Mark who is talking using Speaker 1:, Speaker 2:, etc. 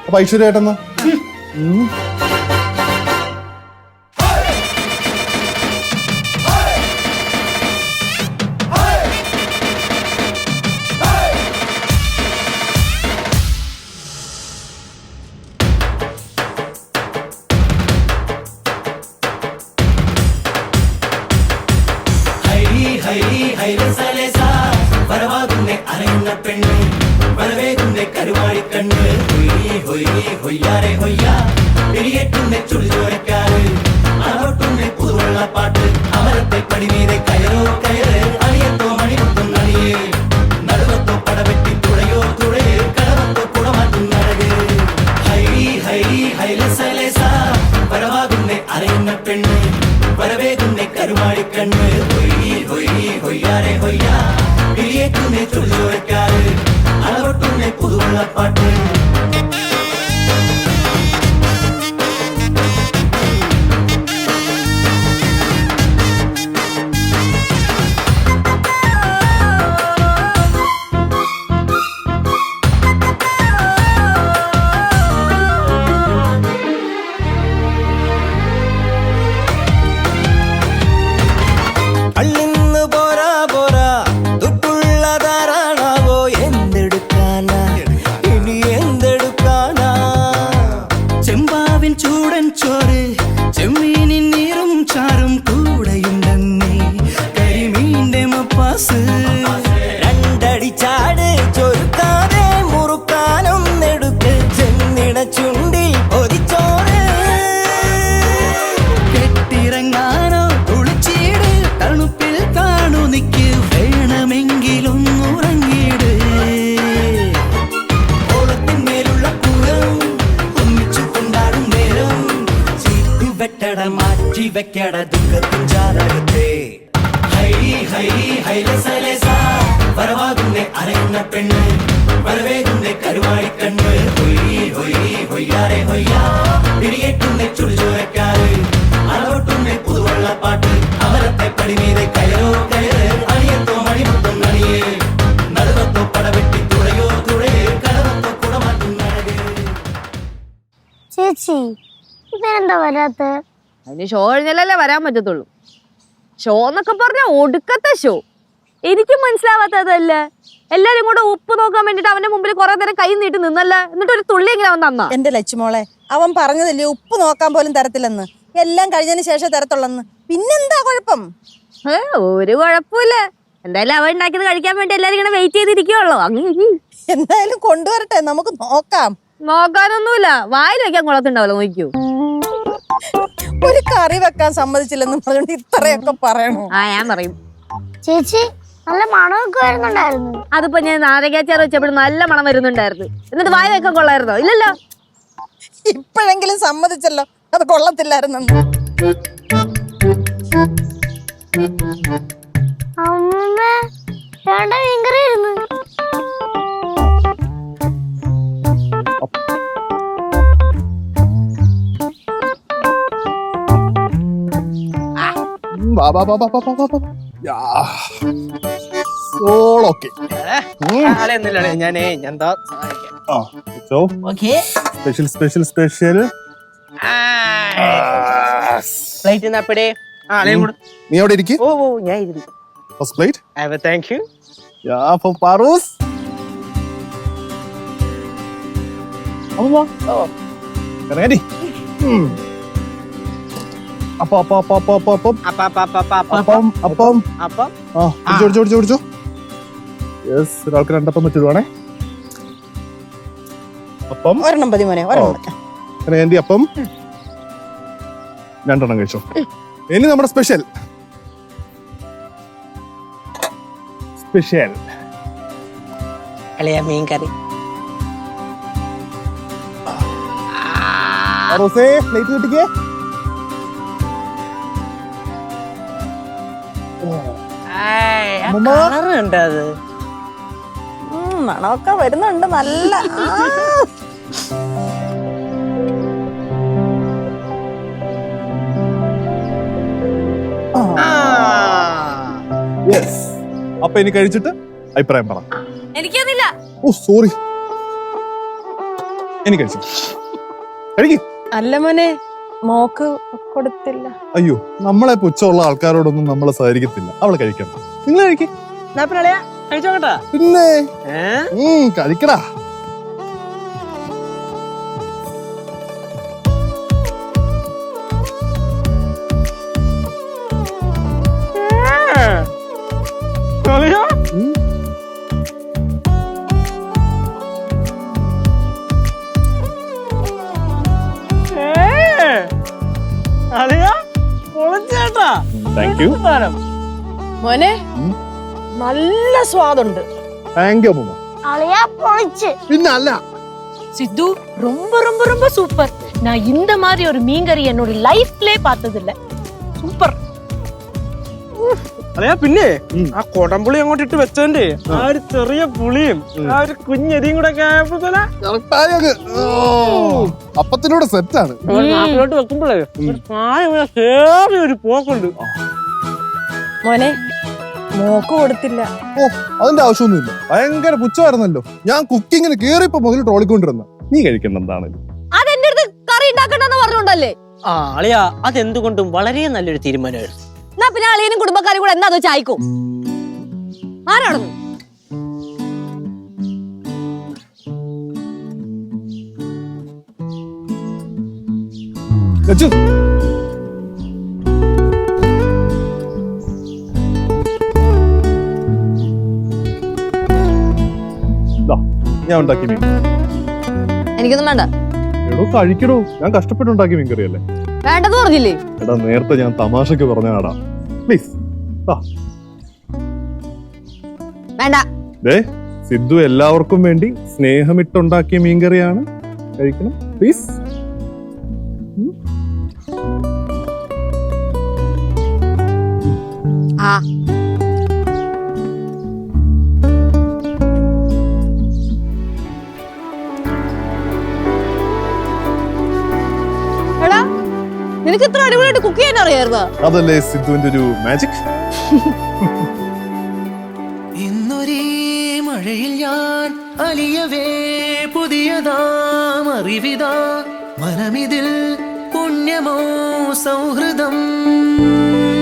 Speaker 1: അപ്പൊ ഐശ്വര്യായിട്ടെന്നാ
Speaker 2: അതിന് ഷോ കഴിഞ്ഞാലല്ലേ വരാൻ പറ്റത്തുള്ളൂ. ഷോ എന്നൊക്കെ പറഞ്ഞ ഒടുക്കത്തെ ഷോ. എനിക്കും മനസ്സിലാവാത്തതല്ല. എല്ലാരും കൂടെ ഉപ്പ് നോക്കാൻ വേണ്ടിട്ട് അവന്റെ മുമ്പിൽ കുറെ നേരം കൈ നീട്ടി നിന്നല്ല. എന്നിട്ട് ഒരു തുള്ളി എങ്ങനെ അവൻ തന്നാ?
Speaker 3: എന്റെ ലച്ചുമോളെ, അവൻ പറഞ്ഞതല്ലേ ഉപ്പ് നോക്കാൻ പോലും തരത്തില്ലെന്ന്. എല്ലാം കഴിഞ്ഞതിന് ശേഷം തരത്തുള്ളന്ന്. പിന്നെന്താ കുഴപ്പം?
Speaker 2: ഒരു കുഴപ്പമില്ല. എന്തായാലും അവൻ ഉണ്ടാക്കിയത് കഴിക്കാൻ വേണ്ടി എല്ലാരും ഇങ്ങനെ വെയിറ്റ് ചെയ്തിരിക്കുവല്ലോ. അങ്ങനെ
Speaker 3: എന്തായാലും കൊണ്ടുവരട്ടെ, നമുക്ക് നോക്കാം.
Speaker 2: നോക്കാനൊന്നുമില്ല, വായിൽ വെക്കാൻ കൊള്ളത്തുണ്ടാവല്ലോ. നോക്കൂ,
Speaker 3: ഒരു കറി വെക്കാൻ സമ്മതിച്ചില്ലെന്ന് പറഞ്ഞോണ്ട് ഇത്രയൊക്കെ പറയണോ?
Speaker 2: ഞാൻ പറയും.
Speaker 4: ചേച്ചി നല്ല മണമൊക്കെ വരുന്നുണ്ടായിരുന്നു.
Speaker 2: അതിപ്പോ ഞാൻ നാരകാച്ചാർ വെച്ചപ്പോൾ നല്ല മണം വരുന്നുണ്ടായിരുന്നു. എന്നിട്ട് വായ വെക്കാൻ കൊള്ളായിരുന്നോ? ഇല്ലല്ലോ.
Speaker 3: ഇപ്പോഴെങ്കിലും സമ്മതിച്ചല്ലോ അത് കൊള്ളത്തില്ലായിരുന്നെന്ന്.
Speaker 4: അമ്മ വേണ്ട മീൻകറി ആയിരുന്നു.
Speaker 1: സ്പെഷ്യൽ നീ അവിടെ ഇരിക്കും. First plate.
Speaker 5: Thank you.
Speaker 1: പാറൂസ്. ഒരാൾക്ക് രണ്ടപ്പം വെച്ചിടുവാണേ. അപ്പം
Speaker 3: ഒരെണ്ണം മതി മോനെ, ഒരെണ്ണം.
Speaker 1: എന്റെ അപ്പം രണ്ടെണ്ണം കഴിച്ചോ. ഇനി നമ്മുടെ സ്പെഷ്യൽ
Speaker 5: മീൻ കറി.
Speaker 1: പ്ലേറ്റ് കിട്ടിക്കേ.
Speaker 5: കളറുണ്ട് അത്.
Speaker 3: മണമൊക്കെ വരുന്നുണ്ട് നല്ല.
Speaker 1: അപ്പൊ ഇനി കഴിച്ചിട്ട് അഭിപ്രായം പറ.
Speaker 2: എനിക്കൊന്നില്ല.
Speaker 1: Oh sorry. എനിക്ക് കഴിച്ചു. കഴിക്ക്.
Speaker 3: അല്ല മോനെ, മോക്ക് കൊടുത്തില്ല.
Speaker 1: അയ്യോ, നമ്മളെ പുച്ഛമുള്ള ആൾക്കാരോടൊന്നും നമ്മളെ സഹകരിക്കത്തില്ല. അവളെ കഴിക്കണം. നിങ്ങൾ കഴിക്ക്.
Speaker 5: കഴിച്ചോട്ടാ.
Speaker 1: പിന്നെ കഴിക്കടാ. Thank you.
Speaker 3: മോനെ, നല്ല സ്വാദുണ്ട്.
Speaker 1: താങ്ക് യു അമ്മ.
Speaker 4: അളിയാ പൊളിച്ച്.
Speaker 1: പിന്നെ അല്ല
Speaker 6: சித்து ரொம்ப ரொம்ப ரொம்ப சூப்பர். நான் இந்த மாதிரி ஒரு மீன்கறி என்னோட லைஃப்லயே பார்த்ததில்ல. சூப்பர்.
Speaker 5: അല്ലയാ പിന്നെ ആ കൊടംപുളി അങ്ങോട്ട് ഇട്ട് വെച്ചോണ്ട് ആ ഒരു ചെറിയ പുളിയും ആ ഒരു കുഞ്ഞരിയും കൂടെ ഒക്കെ ആയപ്പോഴത്തേനാ
Speaker 1: അപ്പത്തിനോട് സെറ്റാണ്.
Speaker 5: നാട്ടിലോട്ട് വെക്കുമ്പോഴേ ഒരു പ്രായം കേറി ഒരു പോക്കുണ്ട്.
Speaker 3: മോനെ, മോക്ക് കൊടുത്തില്ല.
Speaker 1: ഓ, അതിന്റെ ആവശ്യമൊന്നുമില്ല. ഭയങ്കര പുച്ഛമായിരുന്നല്ലോ. ഞാൻ കുക്കിങ്ങിന് കേറിയപ്പോ മുതൽ ട്രോളിക്കൊണ്ടിരുന്ന. നീ കഴിക്കുന്ന എന്താണല്ലോ.
Speaker 2: അതെന്റെ അടുത്ത് കറി ഉണ്ടാക്കണ്ടെന്ന് പറഞ്ഞോണ്ടല്ലേ.
Speaker 5: ആ അളിയാ, അതെന്തുകൊണ്ടും വളരെ നല്ലൊരു തീരുമാനമായിരുന്നു.
Speaker 2: എന്നാ പിന്നെ അളിയനും കുടുംബക്കാരും കൂടെ എന്താ ചായക്കും ആരാണെന്ന്.
Speaker 1: ഞാൻ ഉണ്ടാക്കി മീൻ.
Speaker 2: എനിക്കൊന്നും വേണ്ട.
Speaker 1: എടോ കഴിക്കടോ, ഞാൻ കഷ്ടപ്പെട്ടുണ്ടാക്കി മീൻകറി അല്ലേ.
Speaker 2: വേണ്ടെന്ന് പറഞ്ഞില്ലേ.
Speaker 1: എടാ നേരത്തെ ഞാൻ തമാശക്ക് പറഞ്ഞാടാ. പ്ലീസ്.
Speaker 2: വേണ്ട.
Speaker 1: ദേ സിദ്ധു എല്ലാവർക്കും വേണ്ടി സ്നേഹമിട്ടുണ്ടാക്കിയ മീൻകറിയാണ്. കഴിക്കണം പ്ലീസ്.
Speaker 2: ആ എടാ, നിനക്ക് ഇത്ര അടിപൊളിയായിട്ട് കുക്ക് ചെയ്യാൻ അറിയായിരുന്നോ?
Speaker 1: അതല്ലേ സിദ്ധുവിന്റെ ഒരു മാജിക്.
Speaker 7: ഇന്നൊരേ മഴയിൽ ഞാൻ അലിയവേ പുതിയതാം അറിവിതാ മനമിതിൽ പുണ്യമോ സൗഹൃദം.